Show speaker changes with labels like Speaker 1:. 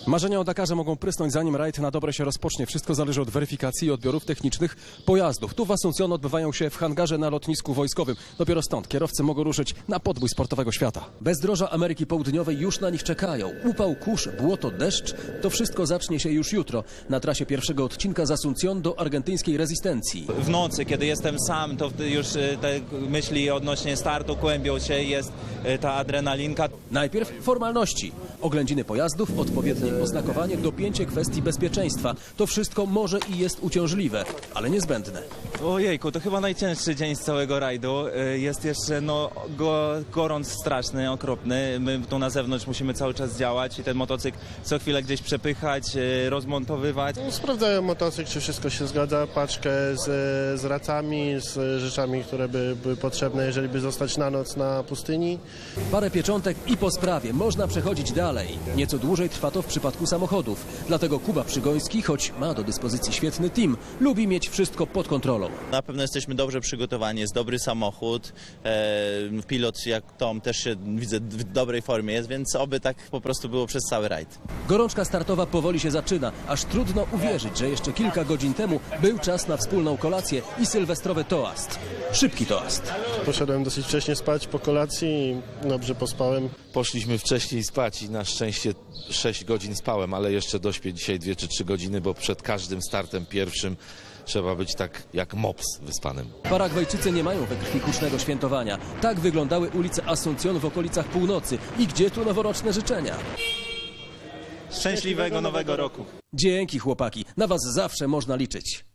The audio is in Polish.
Speaker 1: Marzenia o Dakarze mogą prysnąć, zanim rajd na dobre się rozpocznie. Wszystko zależy od weryfikacji i odbiorów technicznych pojazdów. Tu w Asuncjon odbywają się w hangarze na lotnisku wojskowym. Dopiero stąd kierowcy mogą ruszyć na podbój sportowego świata. Bezdroża Ameryki Południowej już na nich czekają. Upał, kurz, błoto, deszcz. To wszystko zacznie się już jutro na trasie pierwszego odcinka z Asuncjon do argentyńskiej rezystencji.
Speaker 2: W nocy, kiedy jestem sam, to już te myśli odnośnie startu kłębią się, jest ta adrenalinka.
Speaker 1: Najpierw formalności. Oględziny pojazdów, odpowiednie oznakowanie, dopięcie kwestii bezpieczeństwa. To wszystko może i jest uciążliwe, ale niezbędne.
Speaker 2: Ojejku, to chyba najcięższy dzień z całego rajdu. Jest jeszcze gorąc straszny, okropny. My tu na zewnątrz musimy cały czas działać i ten motocykl co chwilę gdzieś przepychać, rozmontowywać.
Speaker 3: Sprawdzają motocykl, czy wszystko się zgadza, paczkę z racami, z rzeczami, które były potrzebne, jeżeli by zostać na noc na pustyni.
Speaker 1: Parę pieczątek i po sprawie można przechodzić dalej. Nieco dłużej trwa to w przypadku samochodów. Dlatego Kuba Przygoński, choć ma do dyspozycji świetny team, lubi mieć wszystko pod kontrolą.
Speaker 4: Na pewno jesteśmy dobrze przygotowani, jest dobry samochód. Pilot jak Tom też się widzę w dobrej formie jest, więc oby tak po prostu było przez cały rajd.
Speaker 1: Gorączka startowa powoli się zaczyna. Aż trudno uwierzyć, że jeszcze kilka godzin temu był czas na wspólną kolację i sylwestrowy toast. Szybki toast.
Speaker 3: Poszedłem dosyć wcześnie spać po kolacji i dobrze pospałem.
Speaker 5: Poszliśmy wcześniej spać i na szczęście 6 godzin spałem, ale jeszcze dośpię dzisiaj 2 czy 3 godziny, bo przed każdym startem pierwszym trzeba być tak jak mops wyspanym.
Speaker 1: Paragwajczycy nie mają we krwi hucznego świętowania. Tak wyglądały ulice Asuncjon w okolicach północy. I gdzie tu noworoczne życzenia?
Speaker 2: Szczęśliwego Nowego Roku!
Speaker 1: Dzięki chłopaki, na was zawsze można liczyć.